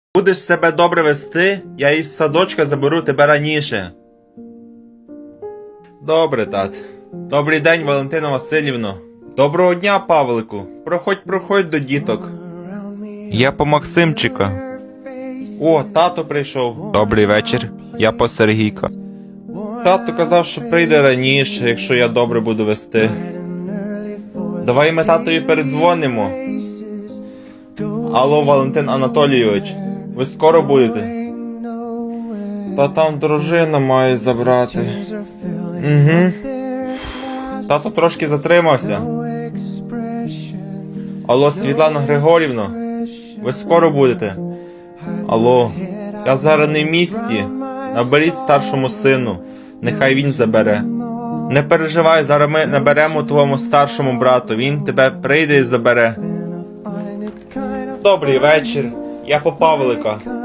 Будеш себе добре вести, я із садочка заберу тебе раніше. Добре, тат. Добрий день, Валентина Васильівно. Доброго дня, Павлику. Проходь до діток. Я по Максимчика. О, тато прийшов. Добрий вечір. Я по Сергійка. Тато казав, що прийде раніше, якщо я добре буду вести. Давай ми татові передзвонимо. Алло, Валентин Анатолійович. Ви скоро будете? Та там дружина має забрати. Угу. Тато трошки затримався. Алло, Світлана Григорівна. Ви скоро будете? Алло, я зараз не в місті. Наберіть старшому сину. Нехай він забере. Не переживай, зараз ми наберемо твоєму старшому брату. Він тебе прийде і забере. Добрий вечір. Я по Павлика.